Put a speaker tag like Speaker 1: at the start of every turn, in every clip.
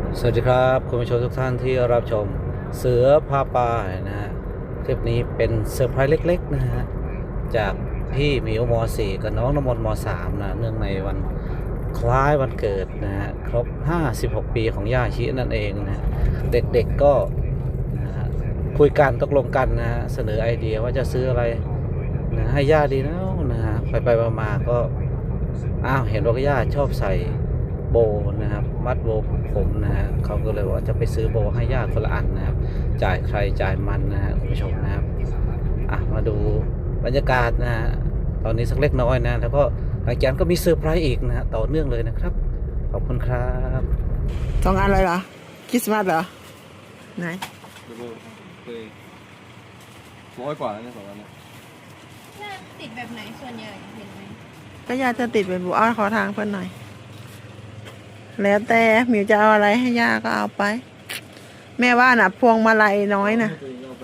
Speaker 1: สวัสดีครับคุณผู้ชมทุกท่านที่รับชมเสือพาป่านะฮะคลิปนี้เป็นเซอร์ไพรส์เล็กๆนะฮะจากพี่หมิวม .4 กับน้องน้ำมนต์ม .3 นะเนื่องในวันคล้ายวันเกิดนะฮะครบ56ปีของย่าชินั่นเองนะเด็กๆก็นะฮะคุยกันตกลงกันนะฮะเสนอไอเดียว่าจะซื้ออะไรนะให้ย่าดีนะฮะไปมาๆก็เห็นว่าย่าชอบใส่โบนะครับมัดโบผมนะฮะเขาก็เลยว่าจะไปซื้อโบให้ย่าคนละอันนะครับจ่ายใครจ่ายมันนะฮะคุณผู้ชมนะครับมาดูบรรยากาศนะฮะตอนนี้สักเล็กน้อยนะแล้วก็หลังจากนั้นก็มีเซอร์ไพรส์อีกนะฮะต่อเนื่องเลยนะครับขอบคุณครับ
Speaker 2: 2 อันเลยเหรอคริสต์มาสเหรอไหน
Speaker 3: เคย100 กว่าแล้วเนี่ย2 อันเนี่ย
Speaker 4: ติดแบบไหนส่วนใหญ่เห็นไหม
Speaker 2: ก็ย่าจะติดเป็นบุอ้อขอทางเพื่อนหน่อยแล้วแต่หมิวจะเอาอะไรให้ย่าก็เอาไปแม่ว่าน่ะพวงมาลัยน้อยนะ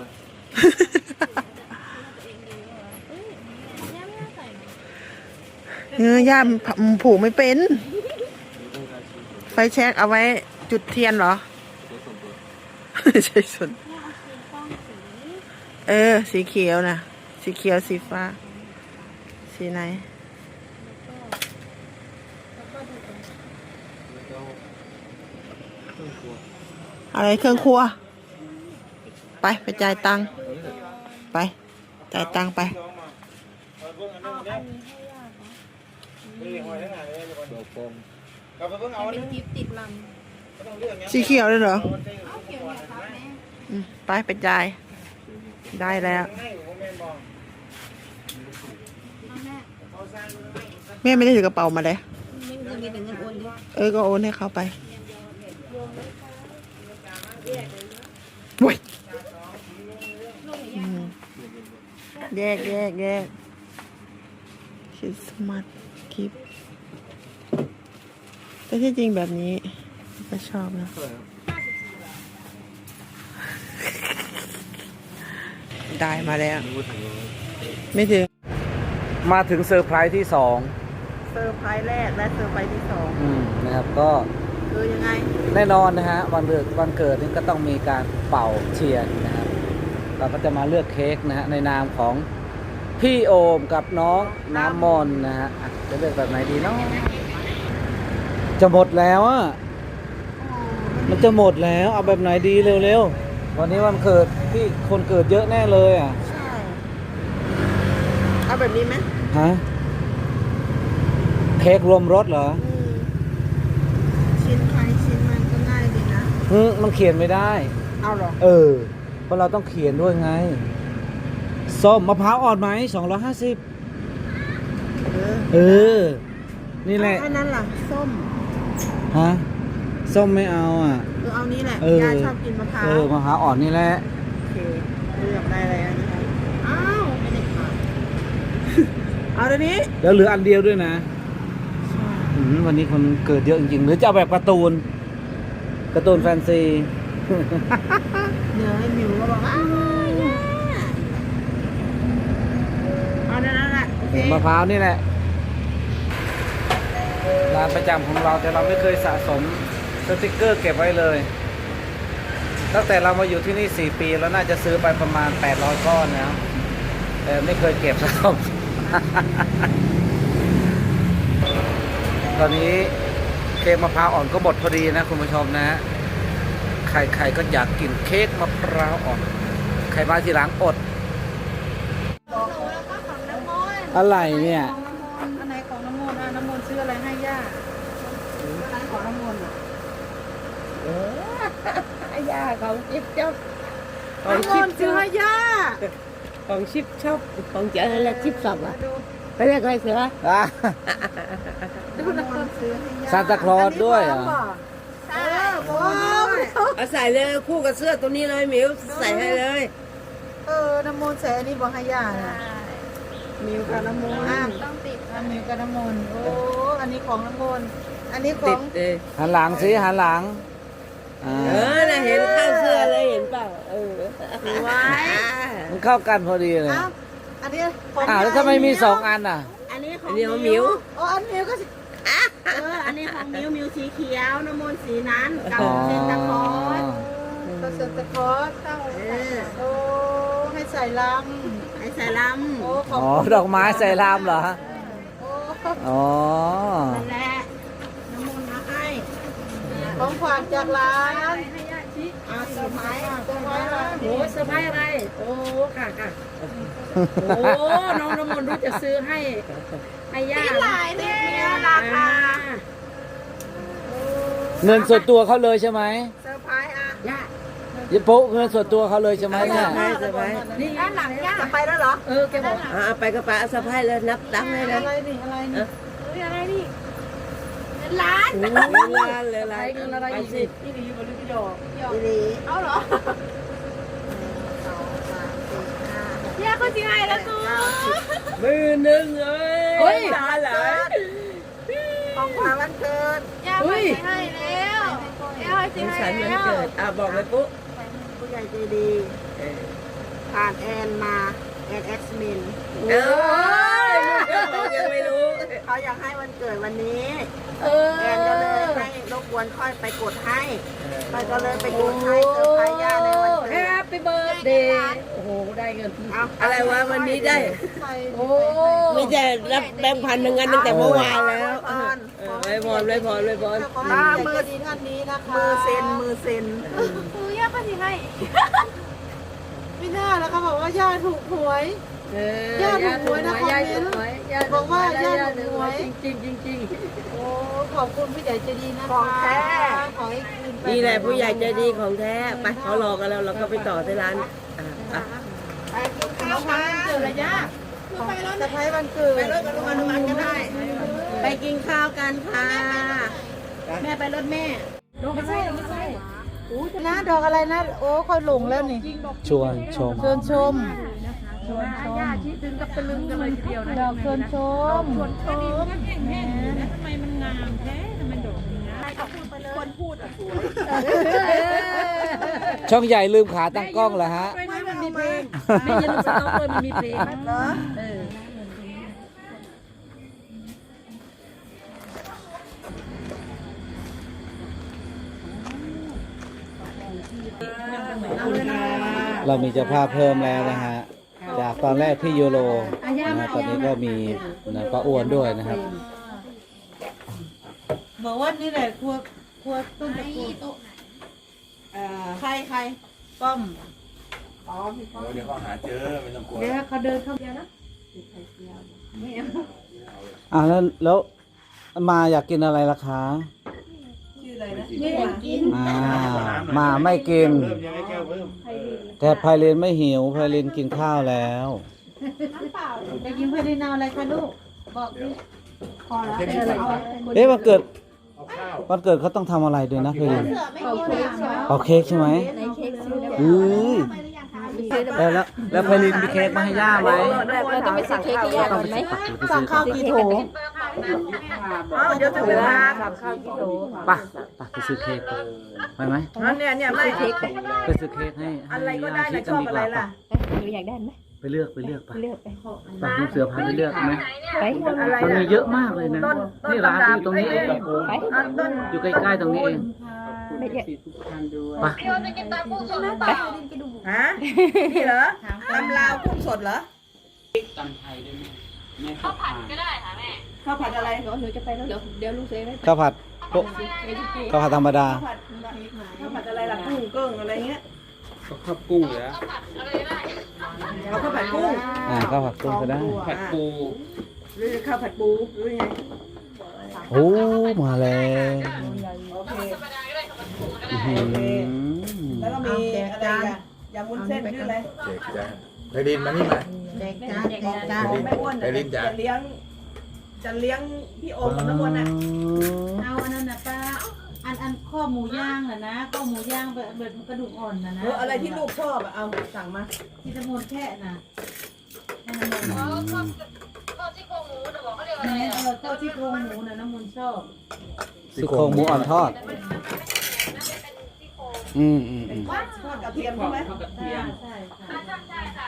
Speaker 2: ย่าผูกไม่เป็นไฟแช็กเอาไว้จุดเทียนเหรอใช่ส่วนสีเขียวนะสีเขียวสีฟ้าสีไหนอะไรเครื่องครัวไปจ่ายตังค์ไปจ่ายตังค์ไป
Speaker 4: เป็นกิฟต์ติดลำ
Speaker 2: สีเขียวเลยเหรอ
Speaker 4: เอาเกี่ยวเนี่ยครับแม่
Speaker 2: ไปจ่ายได้แล้วแม่ไม่ได้ถือกระเป๋ามาเลย
Speaker 4: ไม่มีแต่เงินโอนด้วย
Speaker 2: ก็โอนให้เขาไปวุ้ยแยกคริสต์มาสคลิปแต่ที่จริงแบบนี้ก็ชอบนะได้มาแล้วไม่ถึง
Speaker 1: มาถึงเซอร์ไพรส์ที่2
Speaker 2: เซอร์ไพรส์แรกและเซอร์ไพรส์ที่2
Speaker 1: นะครับก็
Speaker 2: คือยังไง
Speaker 1: แน่นอนนะฮะวันเกิดนี่ก็ต้องมีการเป่าเทียนนะครับเราก็จะมาเลือกเค้กนะฮะในนามของพี่โอมกับน้องน้ำมนต์นะฮะจะเลือกแบบไหนดีเนาะจะหมดแล้วมันจะหมดแล้วเอาแบบไหนดีเร็วๆวันนี้วันเกิดพี่คนเกิดเยอะแน่เลย
Speaker 2: ใช่เอาแบบนี้ไหม
Speaker 1: ฮะเค้กรวมรสเหรอ
Speaker 2: ชิ้นใครชิ้นมันก็ง่ายดีนะ
Speaker 1: มันเขียนไม่ได้
Speaker 2: เอาหรอ
Speaker 1: เพราะเราต้องเขียนด้วยไงส้มมะพร้าวอ่อนไหม250นี่แหละ
Speaker 2: อันนั้นล่ะส้ม
Speaker 1: ฮะส้มไม่เอา
Speaker 2: เอานี้แหละยาชอบกินมะพร้าว
Speaker 1: มะพร้าวอ่อนนี่แหละ
Speaker 2: โอเคเลือกได้เลยอันนี้อ้าวไม่ได้ขาดเอาตัวนี้
Speaker 1: แล้วเหลืออันเดียวด้วยนะวันนี้คนเกิดเยอะจริงๆหรือจะเอาแบบการ์ตูนแฟนซี
Speaker 2: เดี๋ยวให้มิวก็บอกเอานั่นแหละ
Speaker 1: มะพร้าวนี่แหละร้านประจำของเราแต่เราไม่เคยสะสมสติกเกอร์เก็บไว้เลยตั้งแต่เรามาอยู่ที่นี่4 ปีแล้วน่าจะซื้อไปประมาณ800 ก้อนแล้วแต่ไม่เคยเก็บสะสม ตอนนี้เค้กมะพร้าวอ่อนก็หมดพอดีนะคุณผู้ชมนะใครก็อยากกินเค้กมะพร้าวอ่อนใครมาทีหลังอดอะไรเนี่ย
Speaker 2: อันไหนของน้ำมนต์น้ำมนต์ซื้ออะไรให้ย่าของน้ำมนต์
Speaker 4: ย่าของชิปชอบ
Speaker 2: น้ำมนต์ซื้อให้ย่า
Speaker 4: ของชิปชอบของเจอแล้วชิปสอบไปเรียกอะไรเสือ
Speaker 2: ดูน้ำมนต์ซื้อให้ย่า
Speaker 1: ซานตาคลอสด้วย
Speaker 4: เอาใส่เลยคู่กับเสื้อตัวนี้เลยมิวใส่ให้เลย
Speaker 2: น้ำมนต์ใส่อันนี้บอกให้ย่ามิวกับน้ำมนต์
Speaker 4: ต้องติด
Speaker 2: มิวกับน้ำมนต์อันนี้ของน้ำมนต์อันนี้ของ
Speaker 1: หันหลังสิหันหลัง
Speaker 4: น่ะเห็นเข้าเสื้อเลยเห็นเปล่า
Speaker 2: ไว้
Speaker 1: มันเข้ากันพอดีเลย
Speaker 2: อันนี้
Speaker 1: แล้วทำไมมี2 อัน
Speaker 4: อันนี้ของมิว
Speaker 2: อันมิวก็อันนี้ของมิวสีเขียวน้ำมนต์สีนั้นกับ
Speaker 1: อ๋อ
Speaker 2: เซนตาคอสก็เซนตาคอสเข้าโอ้ให้ใส่ลำให้ใส่ลำโอ้ขอบ
Speaker 1: อ๋อ
Speaker 2: คุณ
Speaker 1: ดอกไม้ใส่ลามเหรอ
Speaker 2: โอ้
Speaker 1: อ๋อ
Speaker 2: นั่นแหละน้ำมนต์มาให้ของฝากจากร้านอาเซอร์ไพรส์ร้าน
Speaker 4: โอ้เซอร์ไพรส์อะไร โอ้ค่ะค่ะโอ้น้องน้ำมนต์รู้จะซื้อให้ย่า
Speaker 2: มีหลายเนี่ยราคา
Speaker 1: เงินส่วนตัวเขาเลยใช่ไหม
Speaker 2: เซอร์ไพรส์อ่ะ
Speaker 4: ย่า
Speaker 1: ยิปุ๊เงินส่วนตัวเขาเลยใช่ไหมเนี่ย
Speaker 2: เซอร์ไพรส์นี่ด้านหลังย่าจะไปแล้วเหรอ
Speaker 4: แกบอกไปก็ไปเอาเซอร์ไพรส์เลยนับให้เลย
Speaker 2: อะไรนี่อะไรนี่อะไรนี่เงินล้าน
Speaker 4: เงินล้านเลยอะไรเงินอะไรสิ
Speaker 2: อีหลีเอาเหรอย่าเขาจริงไงแล้วกู
Speaker 4: มือหนึ่งเฮ้ยตาไหล
Speaker 2: ของขวัญวันเกิดย่าไม่ให้แล้วย่าให้จริง
Speaker 4: ฉัน
Speaker 2: ให้
Speaker 4: มัน
Speaker 2: แล้ว
Speaker 4: เกิดบอกเลยปุ๊
Speaker 2: ผู้ใหญ่ใจดีผ่านแอนมาแอนเอ็กซ์มิน
Speaker 4: ยังไม่รู้
Speaker 2: เขาอยากให้วันเกิดวันนี้แอนก็เลยให้รบกวนค่อยไปกดให้ค่อยก็เลยไปกดให้เซอร์ไพรส์ย่าในวันเกิด
Speaker 4: แฮปปี้เบิร์ดเดย์โอ้โหได้เงิน
Speaker 5: อะไรวะวันนี้ได้
Speaker 4: โอ้
Speaker 5: ไม่ใช่รับแบงค์พันหนึ่งอันตั้งแต่เมื่อวานแล้ว
Speaker 4: ไว้บอล
Speaker 2: มือดีท่านนี้นะคะมือเซ็นย่าก็ดีให้ไม่น่าแล้วเขาบอกว่าย่าถูกหวยย่าถูกหวยนะคอมเมนต์บอกว่าย่าถูกหวย
Speaker 4: จริง
Speaker 2: โอ้ขอบคุณผู้ใหญ่ใจดีนะคะของแท้ขอให้คืนไป
Speaker 5: นี่แหละผู้ใหญ่ใจดีของแท้ไปเขารอกันแล้วเราก็ไปต่อที่ร้าน
Speaker 2: ไปกินข้าวกันเจอระยะไปรถจะไปวันเกิดไปรถกับลุงอนุมันก็ได้
Speaker 5: ไปกินข้าวกันค่ะ
Speaker 2: แม่ไปรถแม่
Speaker 4: ไม่ใช่
Speaker 2: นะดอกอะไรนะโอ้ค่อยหลงแล้วนี่
Speaker 1: ชวนชม
Speaker 2: เชิญชม
Speaker 4: ญาติถึงกับตะลึงกันเลยทีเดียวนะ
Speaker 2: ดอกเชิญชม
Speaker 1: ช่องใหญ่ลืมขาตั้งกล้องเหรอฮะ
Speaker 4: ไม่มันมีเพลงไม่ยันสต็อกเลยมันมีเพลง
Speaker 2: เหรอ
Speaker 1: เรามีเจ้าภาพเพิ่มแล้วนะฮะ จากตอนแรกที่ยูโรนะตอนนี้ก็มีนะป้าอ้วนด้วยนะครับ
Speaker 2: บอกว่านี่แหละครัวต้นตะกูใครป้อม
Speaker 3: เดี๋ยวเขาหาเจอไม่ต้องกลัว
Speaker 2: เดี๋ยวเขาเดินเข้าไปนะ
Speaker 1: แล้วมาอยากกินอะไรล่ะคะ
Speaker 2: ชื่ออะไรนะ
Speaker 4: นี่อยากกิน
Speaker 1: มาไม่กิน
Speaker 3: เพิ่มยังไงแก้วเพิ่ม
Speaker 1: แต่ไพลินไม่หิวไพลินกินข้าวแล้ว
Speaker 2: จะกินเพื่อนที่นาอะไรคะลูกบอกดิพอแล้ว
Speaker 1: เอ๊ะวันเกิด
Speaker 3: เอาข้าว
Speaker 1: วันเกิดเขาต้องทำอะไรด้วยนะไพลิน
Speaker 2: ไม่กินเลยใช่ไหม
Speaker 1: เอาเค้กใช่ไหมแล้วไพลินมีเค้กมาให้ย่าไหม
Speaker 4: เราต้องไปซื้อเค้กให้ย่าก่อนไหม
Speaker 2: สั่งข้าวกี่โถ
Speaker 5: เดี๋ยวถึงเวลา
Speaker 1: ไปไปซื้อเค้กไปไหม
Speaker 5: เนี่ยไม่เค้ก
Speaker 1: ไปซื้อเค้กให้
Speaker 5: อะไรก็ได้นะชอบอะไรล่ะ
Speaker 4: หนูอยากได้ไหม
Speaker 1: ไปเลือกไป
Speaker 4: เลือกไป
Speaker 1: ลูกเสือพาไปเลือกไหม
Speaker 4: ไป
Speaker 1: มันมีเยอะมากเลยนะนี่ร้านที่อยู่ตรงนี้เอง
Speaker 4: ไป
Speaker 1: อยู่ใกล้ๆตรงนี้เอง
Speaker 4: ไม่เยอะ
Speaker 1: ไป
Speaker 5: ฮะนี่เหรอตำลาวกุ้งสดเหรอ
Speaker 4: ข้าวผัดอะไรหนูจะไปแล้วเดี๋ยวลูกเซ่ให้
Speaker 1: ข้าวผัดข้าวผัดธรรมดา
Speaker 5: ข้าวผัดอะไรล่ะกุ้งเกิ้งอะไรเงี้ย
Speaker 3: ข้าวกุ้งเลยนะ
Speaker 5: เอาข้าวผัดกุ้ง
Speaker 1: ข้าวผัดกุ้งก็ได้
Speaker 3: ผัดปู
Speaker 5: หรือข้าวผัดปูหรือไง
Speaker 1: โอ้มาแล้ว
Speaker 5: โอเค
Speaker 1: อื้อหือ
Speaker 5: แล้วก็มีอะไรอ่ะยำวุ้นเส้นหรืออะไร
Speaker 3: เด็กจ้าไปดินมานี่มา
Speaker 2: เด็กจ้า
Speaker 5: ของแม่อ้วนจะเลี้ยงพี่โอมกับน้ำมนต์อ่ะ
Speaker 2: เอาอันนั้นนะป้าอันข้อหมูย่างน่ะนะข้อหมูย่างแบบกระดูกอ่อนน่ะนะ
Speaker 5: อะไรที่ลูกชอบอ่ะเอาสั่งมา
Speaker 2: ที่ตะมนแค่น่ะแม่เจ้าที่โครงหมูน่ะน้ำมันชอบ
Speaker 1: ซี่โครงหมูอ่อนทอด
Speaker 5: ทอดกระเทียมใช่ไหม
Speaker 2: ใช่ค่ะ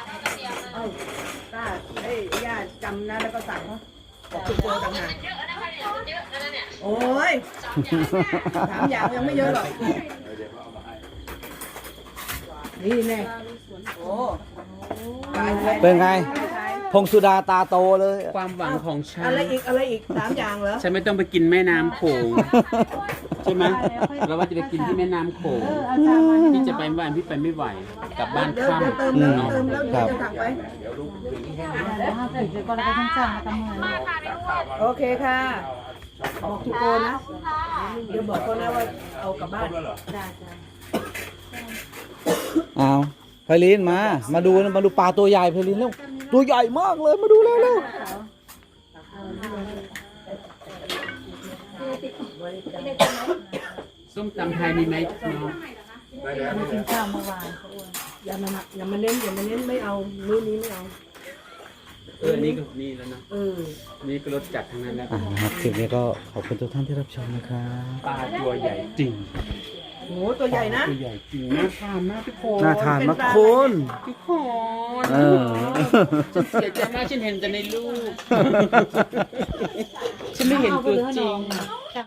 Speaker 5: เอาได้ย่าจำนะแล้วก็สั่งเขาบอกคุณโกต่างหากโอ้ย3 อย่างยังไม่เยอะหรอกนี่แน่โอ้ตายแล้ว
Speaker 1: เป็นไง พงสุดาตาโตเลย
Speaker 6: ความหวังของฉัน
Speaker 5: อะไรอีก3 อย่างเหรอ
Speaker 6: ฉันไม่ต้องไปกินแม่น้ำโขงใช่ไหมเราว่าจะไปกินที่แม่น้ำโขงพี่จะไปเมื่อวานพี่ไปไม่ไหวกลับบ้าน
Speaker 5: เดี๋ยว
Speaker 6: ค่ำ
Speaker 5: เติมแล้วเดี๋ยวจะถักไว้ โอเคค่ะ บอกทุกคนนะ เดี๋ยวบอกเขานะว่าเอากลับบ้าน
Speaker 1: เอาไพลินมาดูปลาตัวใหญ่ไพลินเร็วตัวใหญ่มากเลยมาดูเร็ว
Speaker 6: ส้มตำไทยมีไหมน้อง
Speaker 5: อย่ามาเน้นไม่เอามื้อนี้ไม่เอา
Speaker 6: นี่ก็นี่แล้วนะ
Speaker 5: เออ
Speaker 6: นี่ก็รสจัดทั้งนั้นแล้ว
Speaker 1: นะครับคลิปนี้ก็ขอบคุณทุกท่านที่รับชมนะครับ
Speaker 6: ปลาตัวใหญ่จริง
Speaker 5: โหตัวใหญ่นะ
Speaker 6: ตัวใหญ่จริงน่าทานมากทุกคน
Speaker 1: น่าทานมากคุณ
Speaker 6: ทุกคน
Speaker 1: เออ
Speaker 6: ฉันเสียใจมากฉันเห็นแต่ในรูปฉันไม่เห็นตัวจริง